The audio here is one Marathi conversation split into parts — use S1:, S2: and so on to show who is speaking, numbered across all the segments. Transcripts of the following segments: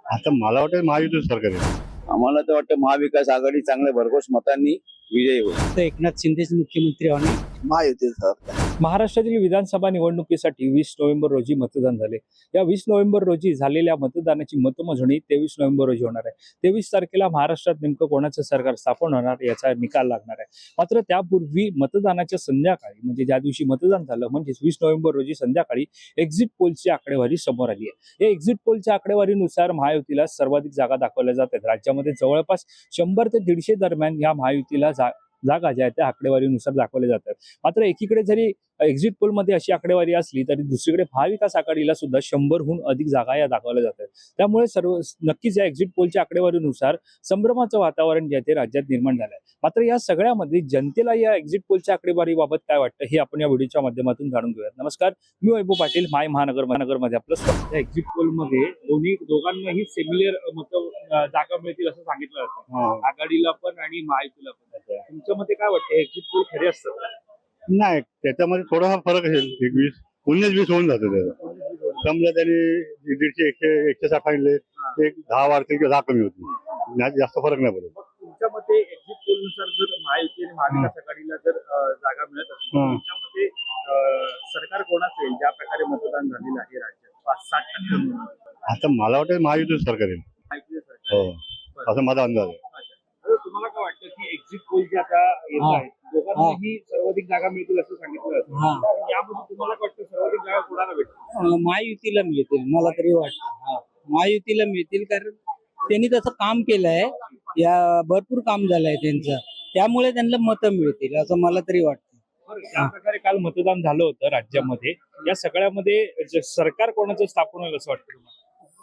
S1: आता मला वाटतं महायुतीचं सरकार आहे.
S2: आम्हाला तर वाटतं महाविकास आघाडी चांगल्या भरघोस मतांनी विजयी होईल.
S3: तर एकनाथ शिंदेच मुख्यमंत्री होणार.
S2: महायुतीचं सरकार.
S4: महाराष्ट्रातील विधानसभा निवडणुकीसाठी 20 नोव्हेंबर रोजी मतदान झाले. या 20 नोव्हेंबर रोजी झालेल्या मतदानाची मतमोजणी 23 नोव्हेंबर रोजी होणार आहे. 23 तारखेला महाराष्ट्रात नेमकं कोणाचं सरकार स्थापन होणार याचा निकाल लागणार आहे. मात्र त्यापूर्वी मतदानाच्या संध्याकाळी म्हणजे ज्या दिवशी मतदान झालं म्हणजे 20 नोव्हेंबर रोजी संध्याकाळी एक्झिट पोलची आकडेवारी समोर आली आहे. या एक्झिट पोलच्या आकडेवारीनुसार महायुतीला सर्वाधिक जागा दाखवल्या जात आहेत. राज्यामध्ये जवळपास 100 ते 150 दरम्यान या महायुतीला जागा ज्या आहेत त्या आकडेवारीनुसार दाखवल्या जातात. मात्र एकीकडे जरी एक्झिट पोलमध्ये अशी आकडेवारी असली तरी दुसरीकडे महाविकास आघाडीला सुद्धा 100हून अधिक जागा या दाखवल्या जातात. त्यामुळे नक्कीच या एक्झिट पोलच्या आकडेवारीनुसार संभ्रमाचं वातावरण जे आहे ते राज्यात निर्माण झालं आहे. मात्र या सगळ्यामध्ये जनतेला या एक्झिट पोलच्या आकडेवारीबाबत काय वाटतं हे आपण या व्हिडिओच्या माध्यमातून जाणून घेऊयात. नमस्कार, मी वैभव पाटील, माय महानगरमध्ये आपलं स्वागत. या एक्झिट पोलमध्ये दोघांनाही सिमिलर जागा मिळतील असं सांगितलं जातं, आघाडीला पण आणि महायुतीला पण. तुमच्या मते काय वाटतं, एक्झिट पोल खरे असतात?
S1: नाही, त्याच्यामध्ये थोडासा फरक असेल. 19-20 होऊन जातं त्याचा. समजा त्यांनी 150-160 सांगितले, एक 10 वाढतील किंवा 10 कमी होतील, जास्त फरक नाही पडत.
S4: तुमच्या मते एक्झिट पोल नुसार जर महायुती आणि महाविकास आघाडीला जर जागा मिळत असेल, तुमच्या मते सरकार कोणाचं येईल? ज्या प्रकारे मतदान झालेलं आहे राज्यात 5-60%.
S1: आता मला वाटतं महायुतीचं सरकार आहे.
S4: महायुतीचं सरकार.
S1: हो, असं माझा अंदाज आहे.
S4: तर तुम्हाला काय वाटतं की एक्झिट पोल जे आता येत आहेत दोघांनाही सर्वाधिक जागा मिळतील असं सांगितलं जातं, यामध्ये तुम्हाला काय वाटतं सर्वाधिक जागा कोणाला भेटतील?
S3: महायुतीला मिळतील मला तरी वाटतं. महायुतीला मिळतील कारण त्यांनी तसं काम केलंय, या भरपूर काम झालंय त्यांचं, त्यामुळे त्यांना मतं मिळतील असं मला तरी वाटतं.
S4: ज्या प्रकारे काल मतदान झालं होतं राज्यामध्ये, या सगळ्यामध्ये सरकार कोणाचं स्थापन होईल असं वाटतं तुम्हाला?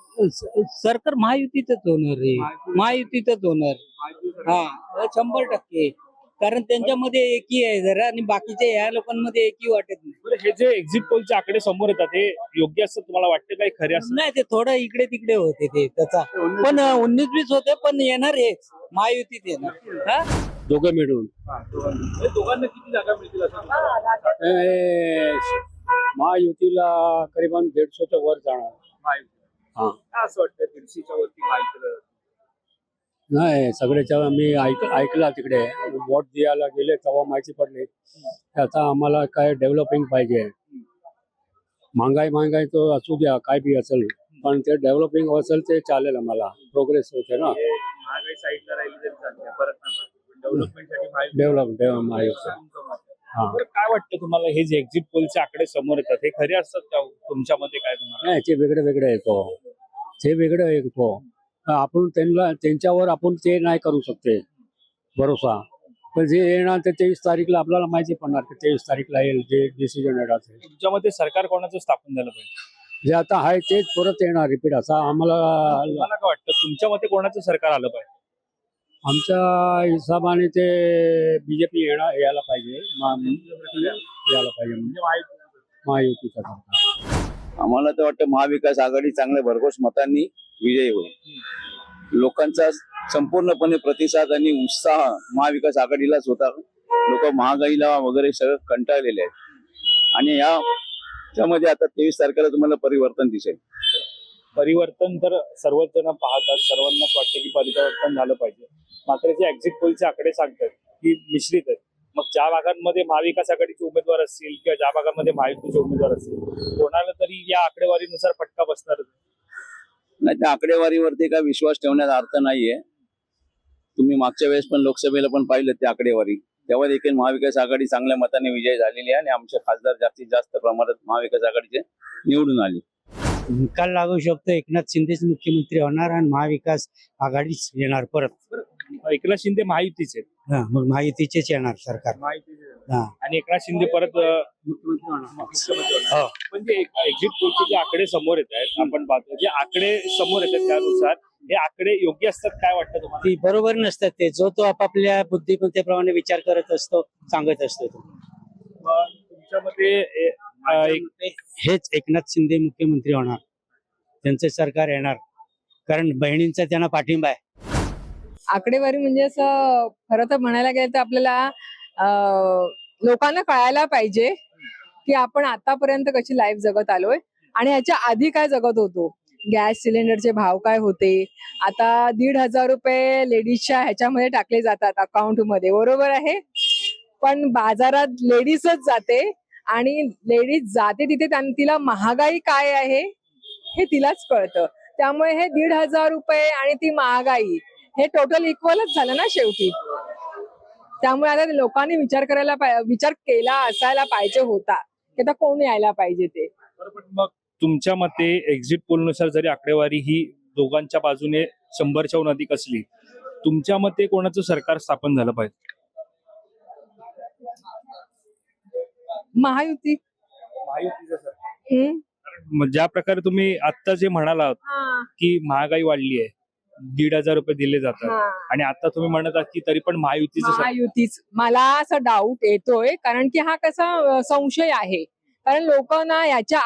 S3: सरकार महायुतीचंच होणार रे, महायुतीचंच होणार. हा, 100%. कारण त्यांच्यामध्ये एकी आहे जरा आणि बाकीच्या या लोकांमध्ये एकी वाटत नाही.
S4: बरं, हे जे एक्झिट पोलचे आकडे समोर येतात हे योग्य असं तुम्हाला वाटतं, काही खरे असं?
S3: नाही, ते थोडं इकडे तिकडे होते ते त्याचा, पण 19-20 होते, पण येणार हेच महायुतीत येणार. हा,
S5: दोघं मिळून
S4: दोघांना किती जागा मिळतील असं तुम्हाला वाटतं?
S5: महायुतीला करीबन 150च्या वर जाणार.
S4: महायुती.
S5: हा.
S4: काय असं वाटतं 150च्या वरती महायुतीला?
S5: नाही, सगळ्याच्या मी ऐकला तिकडे वोट द्यायला गेले तेव्हा माहिती पडली आता आम्हाला काय डेव्हलपिंग पाहिजे. महागाई तो असू द्या, काय बी असेल, पण ते डेव्हलपिंग असेल ते चालेल, आम्हाला प्रोग्रेस होते ना.
S4: महागाई साईडला राहिली तरी चालते, परत डेव्हलपमेंटसाठी
S5: महायुती. हा,
S4: बरं, काय वाटतं तुम्हाला हे जे एक्झिट पोलचे आकडे समोर येतात हे खरे असतात का तुमच्या मते? काय तुम्हाला?
S5: नाही, ते वेगळे येतो, ते वेगळं येतो. आपण त्यांच्यावर आपण ते नाही करू शकते भरोसा, पण जे येणार ते 23 तारीखला आपल्याला माहिती पडणार की 23 तारीखला येईल जे डिसिजन येणार.
S4: तुमच्या मते सरकार कोणाचं स्थापन झालं पाहिजे?
S5: जे आता आहे तेच परत येणार रिपीट, असा आम्हाला.
S4: तुम्हाला काय वाटतं, तुमच्या मते कोणाचं सरकार आलं पाहिजे?
S5: आमच्या हिशोबाने ते बीजेपी यायला पाहिजे, यायला पाहिजे म्हणजे महायुतीचं सरकार.
S2: आम्हाला तर वाटतं महाविकास आघाडी चांगल्या भरघोस मतांनी विजयी होईल. लोकांचा संपूर्णपणे प्रतिसाद आणि उत्साह महाविकास आघाडीलाच होता. लोक महागाईला वगैरे सगळं कंटाळलेले आहेत आणि याच्यामध्ये आता 23 तारखेला तुम्हाला परिवर्तन दिसेल.
S4: परिवर्तन तर सर्वच जण पाहतात, सर्वांनाच वाटतं की परिवर्तन झालं पाहिजे. मात्र जे एक्झिट पोलचे आकडे सांगतात की मिश्रित आहेत. मग ज्या भागांमध्ये महाविकास आघाडीचे उमेदवार असतील किंवा ज्या भागांमध्ये महायुतीचे उमेदवार असतील, कोणाला तरी या आकडेवारीनुसार फटका बसणारच.
S2: नाही, त्या आकडेवारीवरती काय विश्वास ठेवण्याचा अर्थ नाहीये. तुम्ही मागच्या वेळेस पण लोकसभेला पण पाहिलं त्या आकडेवारी, तेव्हा देखील महाविकास आघाडी चांगल्या मताने विजय झालेली आहे आणि आमचे खासदार जास्तीत जास्त प्रमाणात महाविकास आघाडीचे निवडून आले.
S3: निकाल लागू शकतो, एकनाथ शिंदेच मुख्यमंत्री होणार आणि महाविकास आघाडीच येणार परत.
S4: एकनाथ शिंदे महायुतीचे आहेत.
S3: मग महायुतीचेच येणार सरकार.
S4: आणि एकनाथ शिंदे परत मुख्यमंत्री होणार. म्हणजे एक्झिट पोलचे जे आकडे समोर येत आहेत, आपण पाहतो जे आकडे समोर येतात त्यानुसार हे आकडे योग्य असतात. काय वाटतं तुम्हाला?
S3: ती बरोबर नसतात, ते जो तो आपापल्या बुद्धिमत्तेप्रमाणे विचार करत असतो, सांगत असतो.
S4: तुमच्या मते
S3: हेच एकनाथ शिंदे मुख्यमंत्री होणार, त्यांचे सरकार येणार, कारण बहिणींचा त्यांना पाठिंबा आहे.
S6: आकडेवारी म्हणजे असं खरं तर म्हणायला गेलं तर आपल्याला लोकांना कळायला पाहिजे की आपण आतापर्यंत कशी लाईफ जगत आलोय आणि ह्याच्या आधी काय जगत होतो. गॅस सिलेंडरचे भाव काय होते. आता 1,500 रुपये लेडीजच्या ह्याच्यामध्ये टाकले जातात अकाउंट मध्ये, बरोबर आहे. पण बाजारात लेडीजच जाते आणि लेडीज जाते तिथे तिला महागाई काय आहे हे तिलाच कळतं. त्यामुळे हे 1,500 रुपये आणि ती महागाई हे टोटल इक्वलच झालं ना शेवटी. त्यामुळे आता लोकांनी विचार केला असायला पाहिजे होता की आता कोण यायला पाहिजे ते.
S4: बरोबर. मग तुमच्या मते एक्झिट पोलनुसार जरी आकडेवारी ही दोघांच्या बाजूने 100च्या अधिक असली, तुमच्या मते कोणाचं सरकार स्थापन झालं पाहिजे?
S6: महायुती.
S4: महायुतीचं सरकार.
S6: हम्म.
S4: मग ज्या प्रकारे तुम्ही आता जे म्हणालात
S6: हा,
S4: की महागाई वाढली आहे, 1,500 रुपये दिले जातात,
S6: हा.
S4: आणि आता तुम्ही म्हणत आहात की तरी पण महायुतीचं सरकार.
S6: महायुतीच. मला असा डाऊट येतोय कारण की हा कसा संशय आहे. कारण लोक ना याच्या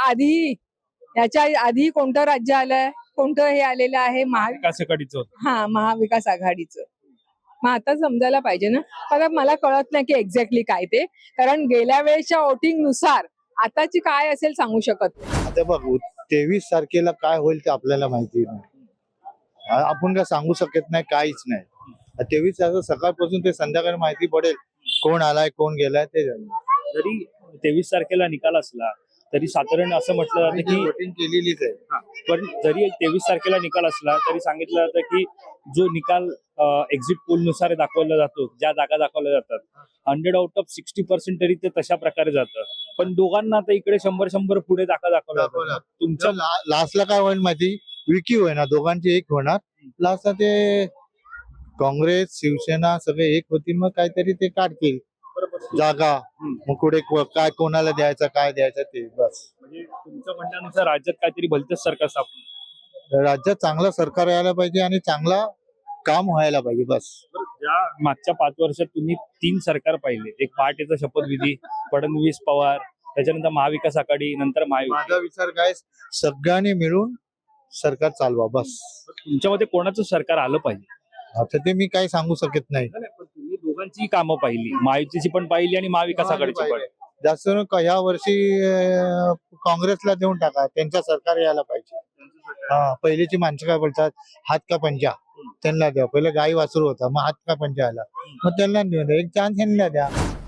S6: आधी कोणतं राज्य आलंय, कोणतं हे आलेलं आहे
S4: विकास आघाडीचं होतं.
S6: महाविकास आघाडीचं. मग आता समजायला पाहिजे ना. आता मला कळत नाही की एक्झॅक्टली काय ते, कारण गेल्या वेळेच्या वोटिंग नुसार आताची काय असेल सांगू शकत नाही.
S7: आता बघ 23 तारखेला काय होईल ते आपल्याला माहिती नाही. आपण काय सांगू शकत नाही, काहीच नाही. 23 तारखेला सकाळपासून ते संध्याकाळी माहिती पडेल कोण आलाय कोण गेलाय ते.
S4: जरी 23 तारखेला निकाल असला तरी साधारण असं म्हटलं जातं की
S7: वोटिंग केलेलीच आहे.
S4: पण जरी 23 तारखेला निकाल असला तरी सांगितलं जातं की जो निकाल एक्झिट पोल नुसार दाखवला जातो, ज्या जागा दाखवल्या जातात, 100 आउट ऑफ 60% तरी ते तशा प्रकारे जातं. पण दोघांना आता इकडे 100 पुढे दाखवला जातो. तुमच्या
S7: लास्टला काय होईल माहिती, विकी होईना, दोघांची एक होणार. लास्टला ते काँग्रेस शिवसेना सगळे एक होतील, मग काहीतरी ते काढतील जागा. मग पुढे काय कोणाला द्यायचं काय द्यायचं ते बस.
S4: म्हणजे तुमच्या म्हणण्यानुसार राज्यात काहीतरी भलतंच सरकार स्थापन.
S7: राज्यात चांगलं सरकार यायला पाहिजे आणि चांगला काम व्हायला पाहिजे बस.
S4: ज्या मागच्या 5 वर्षात तुम्ही 3 सरकार पाहिले, एक पहाटेचा शपथविधी, फडणवीस पवार, त्याच्यानंतर महाविकास आघाडी, नंतर महायुती.
S7: माझा विचार काय, सगळ्यांनी मिळून सरकार चालवा बस.
S4: तुमच्या मध्ये कोणाचं सरकार आलं पाहिजे?
S7: आता ते मी काही सांगू शकत नाही.
S4: नाही, पण तुम्ही दोघांची कामं पाहिली, महायुतीची पण पाहिली आणि महाविकास आघाडीची पण.
S7: जास्त ह्या वर्षी काँग्रेसला देऊन टाका, त्यांच्या सरकार यायला पाहिजे. हा, पहिलीची माणसं काय बोलतात, हात का पंजा, त्यांना द्या. पहिलं गाई वासरू होता, मग हात का पंजा आला, मग त्यांना देऊ द्या, एक चान्स त्यांना द्या.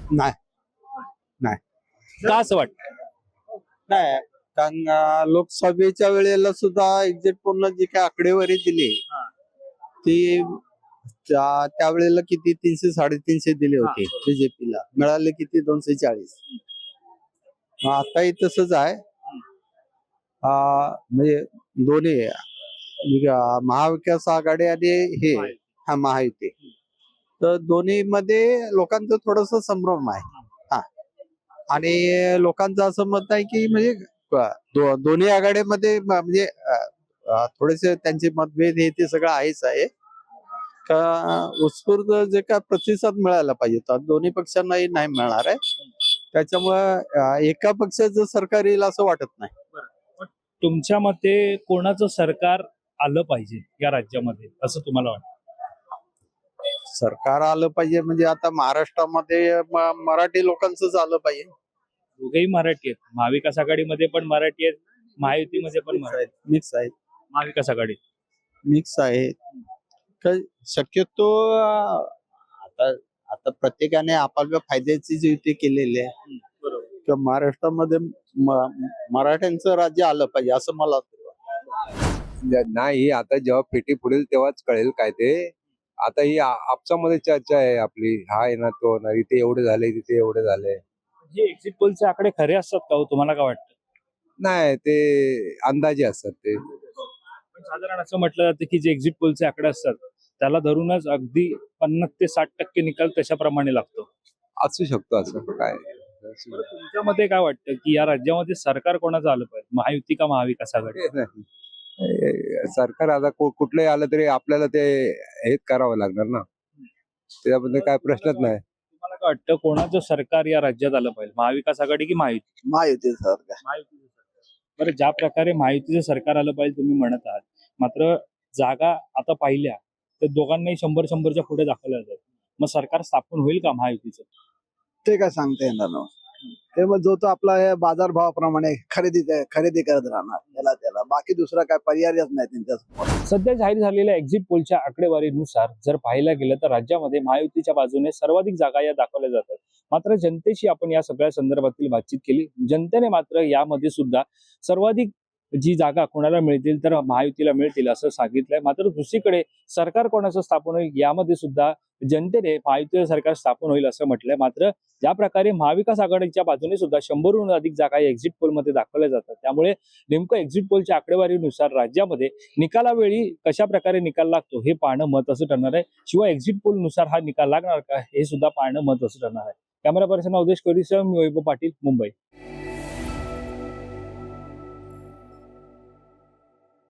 S4: का असं वाटतं?
S8: नाही, कारण लोकसभेच्या वेळेला सुद्धा एक्झिट पोलनं जी काही आकडेवारी दिली ती त्यावेळेला किती 300-350 दिले होते बीजेपीला, मिळाले किती 240. आताही तसंच आहे. म्हणजे दोन्ही महाविकास आघाडी आणि महायुती, तर दोन्ही मध्ये लोकांचं थोडस संभ्रम आहे. आणि लोकांचं असं मत आहे की म्हणजे दोन्ही आघाडीमध्ये म्हणजे थोडेसे त्यांचे मतभेद हे ते सगळं आहेच आहे. का उत्स्फूर्त जे काय प्रतिसाद मिळायला पाहिजे तर दोन्ही पक्षांनाही नाही मिळणार आहे. त्याच्यामुळे एका पक्षाचं सरकार येईल असं वाटत नाही.
S4: तुमच्या मते कोणाचं सरकार आलं पाहिजे या राज्यामध्ये असं तुम्हाला वाटतं?
S8: सरकार आलं पाहिजे म्हणजे आता महाराष्ट्रामध्ये मराठी लोकांचंच आलं पाहिजे.
S4: दोघेही मराठी आहेत, महाविकास आघाडीमध्ये पण मराठी आहेत, महायुतीमध्ये पण
S8: मिक्स आहेत.
S4: महाविकास आघाडी
S8: मिक्स आहे. शक्यतो आता प्रत्येकाने आपापल्या फायद्याची जी युती केलेली आहे, तर महाराष्ट्रामध्ये मराठ्यांचं राज्य आलं पाहिजे असं मला वाटतं.
S9: नाही, आता जेव्हा पेटी फुडेल तेव्हाच कळेल काय ते. आता ही आपसामध्ये चर्चा आहे आपली, हा आहे ना तो ना, इथे एवढे झाले तिथे एवढे झाले.
S4: हे एक्झिट पोलचे आकडे खरे असतात का हो? तुम्हाला काय वाटतं?
S9: नाही, ते अंदाजे असतात ते.
S4: पण साधारण असं म्हटलं जातं की जे एक्झिट पोलचे आकडे असतात त्याला धरूनच अगदी 50 ते 60% निकाल तशाप्रमाणे लागतो.
S9: असू शकतो असं काय.
S4: तुमच्या मते काय वाटतं की या राज्यामध्ये सरकार कोणाचं आलं पाहिजे, महायुती का महाविकास आघाडी?
S9: सरकार आता कुठलंही आलं तरी आपल्याला ते हेच करावं लागणार ना, त्यामध्ये काय प्रश्नच नाही.
S4: तुम्हाला काय वाटतं कोणाचं सरकार या राज्यात आलं पाहिजे, महाविकास आघाडी की महायुती?
S8: महायुती सरकार.
S4: महायुतीचं सरकार. बरं, ज्या प्रकारे महायुतीचं सरकार आलं पाहिजे तुम्ही म्हणत आहात, मात्र जागा आता पाहिल्या तर दोघांनाही 100-100च्या पुढे दाखवल्या जातात. मग सरकार स्थापन होईल का महायुतीचं?
S8: ते काय सांगता येणार ना.
S10: ते मग जो तो आपला हे बाजारभावाप्रमाणे खरेदी करत राहणार त्याला बाकी दुसरा काय पर्यायच नाही त्यांच्यासमोर.
S4: सध्या जाहीर झालेल्या एक्झिट पोलच्या आकडेवारीनुसार जर पाहायला गेलं तर राज्यामध्ये महायुतीच्या बाजूने सर्वाधिक जागा या दाखवल्या जातात. मात्र जनतेशी आपण या सगळ्या संदर्भातील बातचीत केली. जनतेने मात्र यामध्ये सुद्धा सर्वाधिक जी जागा कोणाला मिळतील तर महायुतीला मिळतील असं सांगितलंय. मात्र दुसरीकडे सरकार कोणाचं स्थापन होईल यामध्ये सुद्धा जनतेने महायुतीचं सरकार स्थापन होईल असं म्हटलंय. मात्र ज्या प्रकारे महाविकास आघाडीच्या बाजूने सुद्धा 100हून अधिक जागा या एक्झिट पोलमध्ये दाखवल्या जातात, त्यामुळे नेमकं एक्झिट पोलच्या आकडेवारीनुसार राज्यामध्ये निकालावेळी कशा प्रकारे निकाल लागतो हे पाहणं महत्त्वाचं ठरणार आहे. शिवाय एक्झिट पोलनुसार हा निकाल लागणार का हे सुद्धा पाहणं महत्त्वाचं ठरणार आहे. कॅमेरा पर्सन अवधेश कोहलीसह मी वैभव पाटील, मुंबई.